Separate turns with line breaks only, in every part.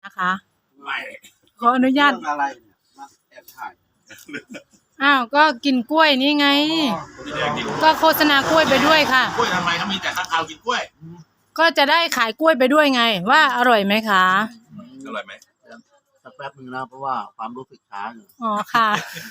นะคะ
ไม่
ขออนุญาต
อะไรเนี่ยมาแอบถ่าย
อ้าวก็กินกล้วยนี่ไง
พี่แดงกิน
ก็โฆษณากล้วยไปด้วยค่ะ
กล้วยทำไมเขามีแต่ข้างคาวกินกล้วย
ก็จะได้ขายกล้วยไปด้วยไง ว่าอร่อยไหมคะ
อร่อยไหม
สักแป๊บนึงนะเพราะว่าความรู้สึกช้าอยู่
อ๋อค่ะ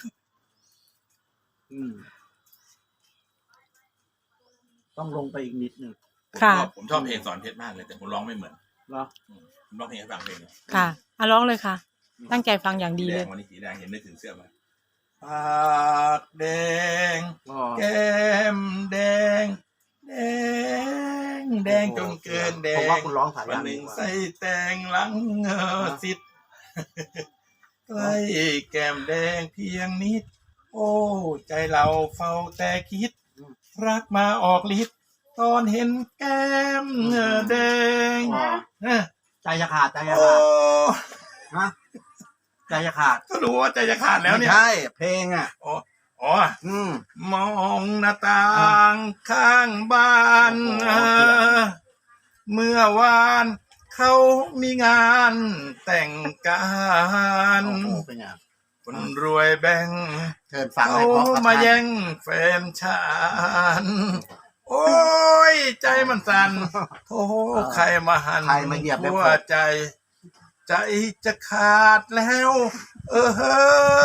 ต้องลงไปอีกนิดนึง
ค่ะ
ผมชอบเพลงสอนเพชรมากเลยแต่ผมร้องไม่เหมือน
เหรอ
ผมร้องเพลงให้ฟังเพลง
ค่ะเอาร้องเลยค่ะ ตั้งใจฟังอย่างดี
สีแด
เล
ง
ย
วันนี้สีแดงเห็นนึกถึงเสื้อมาปากแดง
ก็
แก้มแดงแดงแดงจนเกินแด
ผม
ง
ว่าคุณร้องสาย
วัน
ยาง
ห
ดี
นึ่ง
กว่า
ใส่แตงหลังสิทธิ์ใกล้แก้มแดงเพียงนิด โอ้ใจเราเฝ้าแต่คิด รักมาออกฤทธิ์ตอนเห็นแก้มแดง
ใจจะขาดใจจะ
โอ้
ขาดฮะใจจะขาด
ก็รู้ว่าใจจะขาดแล้วเนี่ย
ไม่ใช่เพลงอ่ะ
อ๋อ
ม
มองหน้าต่างข้างบ้าน เมื่อวานเขามีงานแต่งการ
โอ้โหเป็นไง
คนรวยแบ่ง
เชิญฟัง
เขา
ให้เพราะครับ
มาแย่งแฟนฉันโอ้ยใจมันสั่นโธ่ใครมาหัน
ใครมาเหยียบ
หัวใจ ใจจะขาดแล้ว เฮ้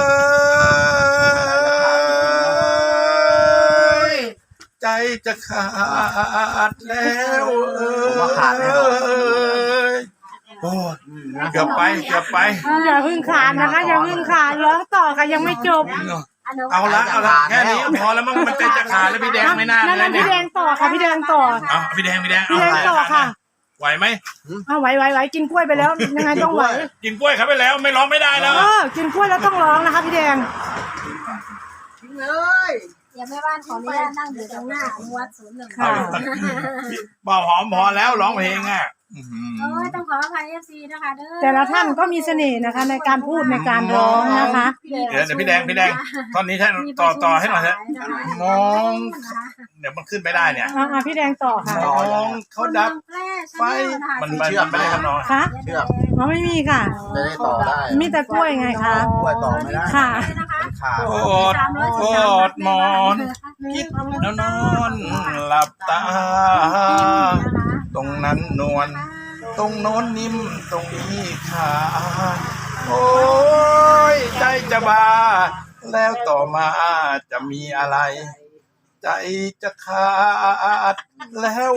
ยใจจะขาดแล้วโอ้ยเกือบไป
อย่าพึ่งขาดนะคะอย่าพึ่งขาดร้องต่อค่ะยังไม่จบ
เอาละแค่นี้พอแล้วมั้งมันใจจะขาดแล้วพี่แดงไม่น่า
นั่น
เลยเนี่
พี่
ย
แดงต่อค่ะพี่แดงต่อ
เอาพี่แดง
พี่แดง
เอา
ต่อค่ะ
ไหวไหม
เอาไหวกินกล้วยไปแล้วยังไงต้องไหว
กินกล้วยครับไปแล้วไม่ร้องไม่ได้แล้ว
กินกล้วยแล้วต้องร้องนะคะพี่แดง
อย่าแม่บ้านขออนุญาตนั่งอยู่ตรงหน้าอนุวัด01
ค่ะ
บอกหอมพอแล้วร้องเพลงอ่ะ
โอ้ยต้องขออภัย FC นะคะเด้อ
แต่ละท่านก็มีเสน่ห์นะคะ ในการพูดในการร้องนะคะ
เดี๋ยวพี่แดงตอนนี้ท่านต่อให้หน่อยฮะมองเดี๋ยวมันขึ้นไม่ได้เนี่ย
พี่แดงต่อค่ะ
มองเขาดับไฟมันไม่ได้ทำนอง
คะ
เชือก
ไม่มีค่ะ
จะได้ต่อได้
มีแต่กล้วยไงคะ
กล้วยต่อไม่ได้
ค่ะ
มันขาด
โกอดหมอนคิดแล้วนอนหลับตา ตรงนั้นนวลตรงโน้นนิ่มตรงนี้ขาดโอ้ยใจจะบาแล้วต่อมาจะมีอะไร ใจจะขาดแล้ว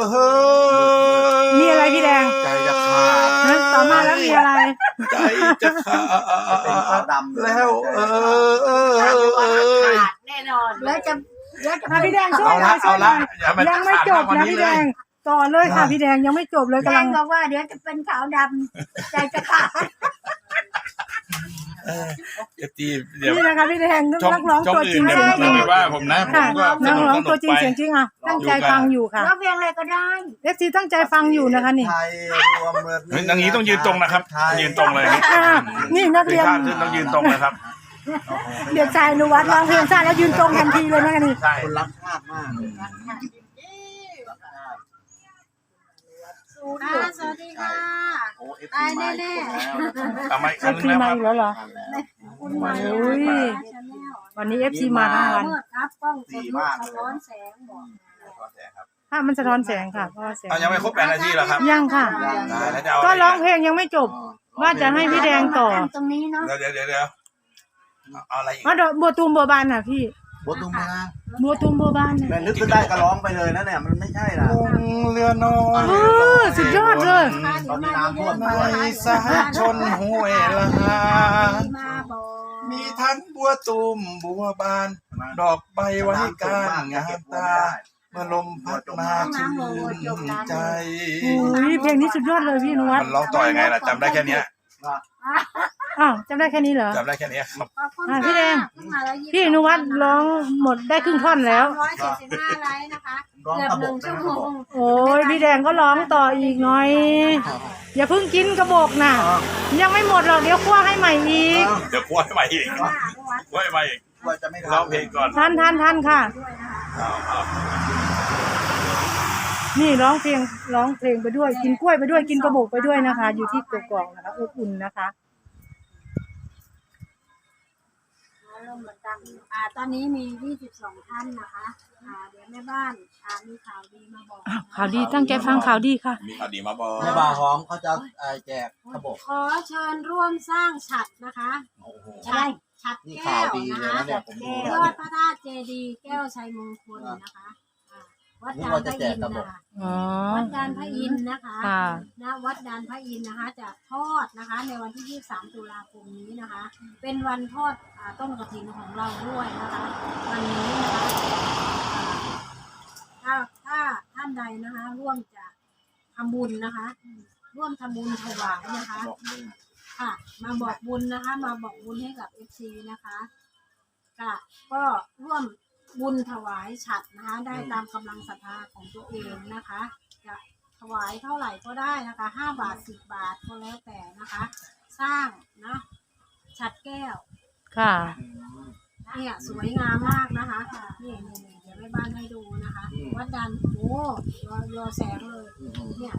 มีอะไรพี่แดง
ใจจะขาด
ต่อมาแล้วมีอะไร
ใจจะขา
เป็นขาว
ด
ดำ
แล้ว
แน่นอนแล้วจะ
พี่แดงช่วย
เอา
หน่
ละ
อยช่วยหน่อย
อย่ามัน
ยังไม่จบนะพี่แดงต่อเลยค่ะพี่แดงยังไม่จบเลย
แด
กำลั
ง
ง
บอกว่าเดี๋ยวจะเป็นขาวดำใจจะขาด
เดี๋ยว
นี่นะคะพี่แดง
ช่อง
นักร้อง
ช่อง
ตัวจริ
อื่น
ง
เดี๋ยว
เสียงจริง
ไม่ว่าผมนะผม
ค่ะ
ก็ส
นัก
นุก
ร้อง
สนุ
ตัว
ก
จริง
ไป
เสียงจริงอ่ะตั้งใจฟังอยู่ค่ะ
ร้องเพลงอะไรก็ได้
FC ตั้งใจฟังอยู่นะคะนี่
ไทยรวมเมื
เฮ้ยอย่างนี้ต้องยืนตรงนะครับยืนตรงเลย
นี่นัก
ถึ
เรี
ง
ยน
ข้ามขึ้นต้องยืนตรงนะครับ
เด็กชายอนุวัฒน์ร้องเพลงชาติแล้วยืนตรงทันทีเลยนะคะนี่
ใช่
คนรักชาติมาก
สวัสดีค่ะ
โอ้เอฟซีมาอีกคนแล้ว
ทำไมค
เอ
รั้ง
ฟ
นึ
ซี
งแล้ว
มา
ครับ
อีกแล้วเหรอ
คุณมา
โอ้ย วันนี้ FC มาทั้งวัน
เมื่อครับกล้องสดรูปสะท้อนแสงบอก
ภาพมันสะท้อนแสงค่ะเพราะว่าแสง
เอายังไม่ครบ8 นาทีเหรอครับ
ยังค่ะ
ได้แล้วจะเอา
ก็ร้องเพลงยังไม่จบ ว่าจะให้พี่แดงต่อ
ตรงนี้เนาะ
เดี๋ยวเอาอะไรอีก
ว่าดอกบัวตูมบัวบานน่ะพี่
บัวตุ้มมา
บัวตูมบัวบานน่ะ
แม่นึกขึ้นได้ก็ร้องไปเลยนะเนี่ยมันไม่ใช่นะ
ลงเรือน้อย
สุดยอดเลย
ตอนนี้น้ำท่วม
ในสาชนห้วยละหา
มาบอก
มีทั้งบัวตูมบัวบาน ดอกใบไว้การงามตาเมื่อลมพัดมาชื่นใจ
อุ้ยเพลงนี้สุดยอดเลยพี่อนุวัฒ
มัน
น์
ร้องต่อยังไงล่ะจำได้แค่เนี้ย
อ้าวจำได้แค่นี้เหรอ
จำได้แค่เนี้ยครับ
พี่แดง พี่อนุวัฒน์ร้องหมดได้ครึ่งท่อนแล้ว
175ไลค์นะคะ
ร้อง
เกือบ
กระบ
1
ก
ชั่วโมง
โอ้ยพี่แดงก็ร้องต่ออีกหน่อย อย่าเพิ่งกินกระบอกน่ะ ยังไม่หมดหรอกเดี๋ยวคั่วให้ใหม่อีก
เดี๋ยวกล้วยใหม่อีกกล้วยใหม่อีก
ว่าจะไม่
ร้องเพลงก่อน
ทันค่ะนี่ร้องเพลงไปด้วย กินกล้วยไปด้วยกินกระบอกไปด้วยนะคะ อยู่ที่กกอกนะคะอบอุ่นนะคะ
เหมือนกันตอนนี้มี22ท่านนะคะเดี๋ยวแม่บ้านมีข่าวดีมาบอก
ข่าวดีตั้งใจฟังข่าวดีค่ะ
มีข่าวดีมาบอก
แม่บ่าวหอมเขาจะแจกกระบอก
ขอเชิญร่วมสร้างฉัตรนะคะ
โอ้โห
ฉัตร
นี่
แก้
ข่าว
ว
ดี
นะ
เลย
คะ
นะเนี่ยผมดู
ย
แล้ว
อดพระธาตุเจดีย์แก้วชัยมงคลนะคะวัดดานพระอินทร์นะคะ
อ๋อ
วัดดานพระอินทร์นะคะ
ค่ะ
ณวัดดานพระอินทร์นะคะจะทอดนะคะ ในวันที่23ตุลาคมนี้นะคะ เป็นวันทอดต้นกฐินของเราด้วยนะคะ วันนี้นะคะถ้าท่านใดนะคะ ร่วมจะทำบุญนะคะ ร่วมทำบุญถวายนะคะ ค่ะ มาบอกบุญนะคะ มาบอกบุญให้กับ FC นะคะก็ร่วมบุญถวายฉัตรนะคะ ได้ตามกำลังศรัทธาของตัวเองนะคะจะถวายเท่าไหร่ก็ได้นะคะ5 บาท10 บาทก็แล้วแต่นะคะ สร้างนะฉัตรแก้ว
ค่ะ
เนี่ยสวยงามมากนะคะนี่เดี๋ยวแม่บ้านให้ดูนะคะ วัดดันโอ้รอแสงเลยเนี่ย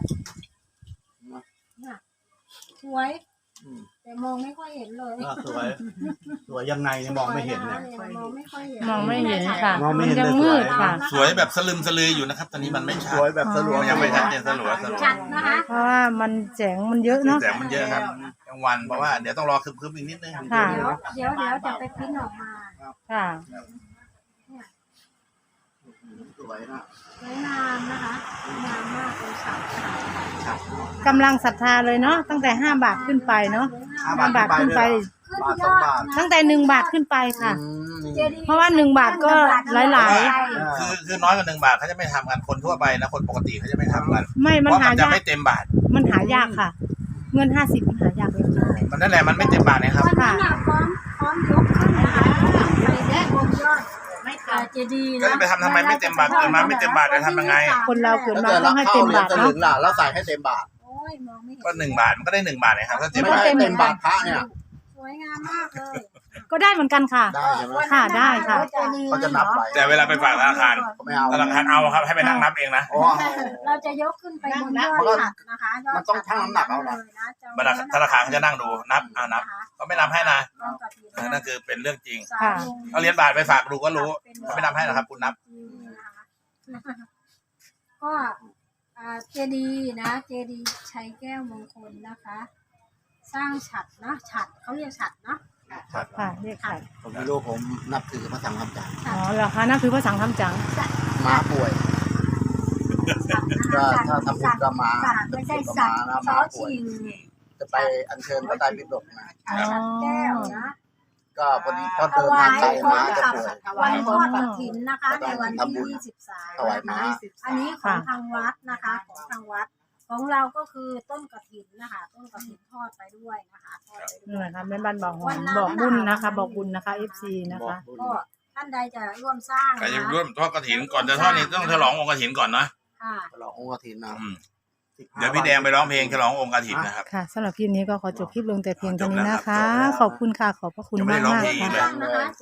สวย แต่มองไม่ค่อยเห็นเลย
สวยยังไงเนี่ยมองไม่เห็นเนี่ย
มองไม่ค่อยเห็น
มองไม่เห็นค่ะ
มองไม่
มัน
เห็น
ยังมืดค่ะ
สวยแบบสลึมสลืออยู่นะครับ ตอนนี้มันไม่ชั
ส
ด
วยแบบสลัว
ยังไม่ชัดเจนสลัว
ชัดนะคะ
เพราะว่ามันแสงมันเยอะเนาะ
แสงมันเยอะครับกลางวันเพราะว่าเดี๋ยวต้องรอคืบๆอีกนิดนึง
ค่ะ
เดี๋ยวจะไปพิมพ์ออกมา
ค่ะ
สวยนะ
สวยงามนะคะสวยงามมากเลยค่ะ
กำลังศรัทธาเลยเนาะตั้งแต่5 บาทขึ้นไปเนาะ 5 บาทขึ้นไป
ขึ้น
บาท
ย
สอง
อด
บาท
ตั้งแต่1 บาทขึ้นไปค่ะ
เจดีย์
เพราะว่า1 บาทก็หลาย
คือน้อยกว่า1 บาทเขาจะไม่ทำกันคนทั่วไปนะคนปกติเขาจะไม่ทำกัน
ไม่
เพ
มัน
ราะ
หา
มันจะ
ยาก
ไม่เต็มบาท
มันหายากค่ะ เงิน50มันหายากเลยค่ะ
มันนั่นแหละมันไม่เต็มบาทนะครับ
วันนั้นน่ะพร้อมยกขึ้นนะคะไปแด้บนยอดเจดีย์
ก็จะไปทำไมไม่เต็มบาทเกิดมาไม่เต็มบาทจะทำยังไง
คนเราเกิด
แล้ว
มา
แต่
ต้
เรา
องให้
เข้า
เต็ม
เหรียญ
บาท
สลึ
เนาะ
งล่ะแล้วใส่ให้เต็มบาท
โอ้ยมองไม่เห็น
ก็1 บาทมันก็ได้1 บาทนะครับถ้าเต็ม
ไม่
บาท
ได้เต็มบาทพระเนี่ย
สวยงามมากเลย
ก็ได้เหมือนกันค่ะ
ได้ใช่ไหม
ค่ะได้ค่ะ
เขาจะนับไป
แต่เวลาไปฝากธนาคาร
เขาไม่เอา
ธนาคารเอาครับให้ไปนั่งนับเองนะ
อ๋อ
เราจะยกขึ้นไปบนยอดฉัตรนะคะยอด
มันต้องชั่งน้ำหนักเอาเหรอ
ธนาคารเขาจะนั่งดูนับนับเขาไม่นับให้นะ
นั่
นั่นคือเป็นเรื่องจริง
ค่ะ
เอาเหรียญบาทไปฝากดูก็รู้เขาไม่นับให้นะครับคุณนับ
ก็เจดีย์นะเจดีย์ชัยแก้วมงคลนะคะ สร้างฉัตรนะฉัตรเขาเรียกฉัตรเนาะ
ค่ะเรียกค่ะ
ผมไม่รู้ผมนับถือพระสังฆจารย์
อ๋อเหรอคะนั่นคือพระสังฆำจัง
ม้าป่วย ก็ถ้าทำบุญก็ม้า
ไม่ใช่สัตว์
นะ
ซ
ม้า
อ
ป่วย
ชิง
จะไปอัญเชิญพระไตรปิฎกนะ
ฉัตรแก้วนะ
ก็พอดีเขาเดินทางไกลม้าจะป่วย
วันทอดกฐินนะคะ ในวันที่23
ถวายม้า
อันนี้ของทางวัดนะคะของทางวัด ของเราก็คือต้นกฐินนะคะ ต้นกฐินทอดไปด้วยนะคะทอดไปด้
นี่
วย
นะคะแม่บ้านบอกหอมบอกบุญนะคะ บอกบุญนะคะ FC นะคะ
ก็ท่านใดจะร่วมสร้าง
ใคร
นะ
จะ
คะ
ร่วมทอดกฐินก่อนจะทอดนี่ต้องฉลององค์กฐินก่อนนะ
ค่ะ
ฉลององค์กฐินนะ
เดี๋ยวพี่แดงไปร้องเพลงฉลององค์กฐินนะครับ
ค่ะสำหรับคลิปนี้ก็ขอจบคลิปลงแต่เพียงเท่านี้นะคะ ขอบคุณค่ะ ขอบพระคุณ
ยังไม่
มาก
ได้ร้อง
มาก
เพลงอีก
ค่ะ
เลย
นะคะ